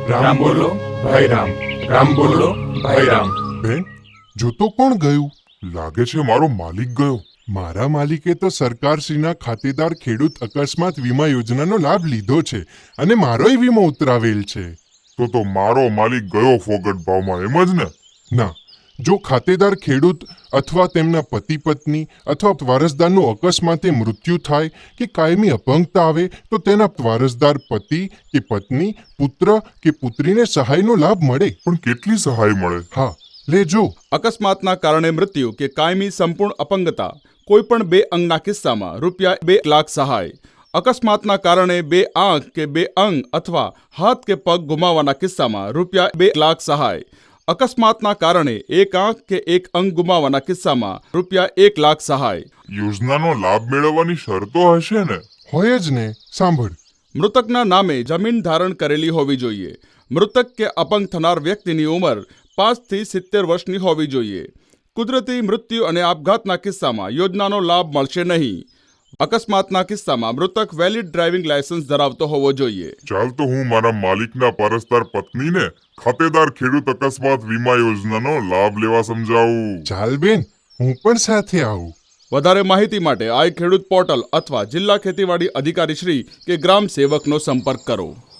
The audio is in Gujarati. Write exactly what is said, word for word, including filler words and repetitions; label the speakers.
Speaker 1: રામ બોલો ભાઈ રામ, રામ બોલો ભાઈ રામ.
Speaker 2: બેન, જોતો કોણ ગયું? લાગે છે મારો માલિક ગયો. મારા માલિકે તો સરકારશ્રીના ખાતેદાર ખેડૂત અકસ્માત વીમા યોજનાનો લાભ લીધો છે અને મારોય વીમો ઉતરાવેલ છે.
Speaker 3: તો તો મારો માલિક ગયો ફોગટ ભાવમાં, એમ જ ને?
Speaker 2: ના, જો ખાતેદાર ખેડૂત અથવા તેમના પતિ પત્ની અથવા વારસદારનું અકસ્માતે મૃત્યુ થાય કે કાયમી અપંગતા આવે તો તેના વારસદાર પતિ કે પત્ની, પુત્ર કે પુત્રીને સહાયનો લાભ મળે.
Speaker 3: પણ કેટલી સહાય મળે?
Speaker 2: હા, લેજો.
Speaker 4: અકસ્માતના કારણે મૃત્યુ કે કાયમી સંપૂર્ણ અપંગતા, કોઈ પણ બે અંગના કિસ્સામાં રૂપિયા બે લાખ સહાય. અકસ્માતના કારણે બે આંખ કે બે અંગ અથવા હાથ કે પગ ગુમાવવાના કિસ્સામાં રૂપિયા બે લાખ સહાય. અકસ્માતના કારણે એક આંખ કે એક અંગ ગુમાવવાના કિસ્સામાં રૂપિયા એક લાખ સહાય.
Speaker 3: યોજનાનો લાભ મેળવવાની શરતો હશે ને?
Speaker 2: હોય જ ને. સાંભળ.
Speaker 4: મૃતકના નામે જમીન ધારણ કરેલી હોવી જોઈએ. મૃતક કે અપંગ થનાર વ્યક્તિની ઉંમર પાંચથી સિત્તેર વર્ષની હોવી જોઈએ. કુદરતી મૃત્યુ અને આપઘાતના કિસ્સામાં યોજનાનો લાભ મળશે નહીં. અકસ્માતના કિસ્સામાં મૃતક વેલિડ ડ્રાઇવિંગ લાયસન્સ ધરાવતો હોવો જોઈએ.
Speaker 3: ચાલ તો હું મારા માલિકના પરસ્તર પત્નીને ખાતેદાર ખેડૂત અકસ્માત વીમા યોજનાનો લાભ લેવા સમજાવું.
Speaker 2: ચાલ બેન, હું પણ સાથે આવું.
Speaker 4: વધારે માહિતી માટે આઈ ખેડૂત પોર્ટલ અથવા જિલ્લા ખેતીવાડી અધિકારી શ્રી કે ગ્રામ સેવકનો સંપર્ક કરો.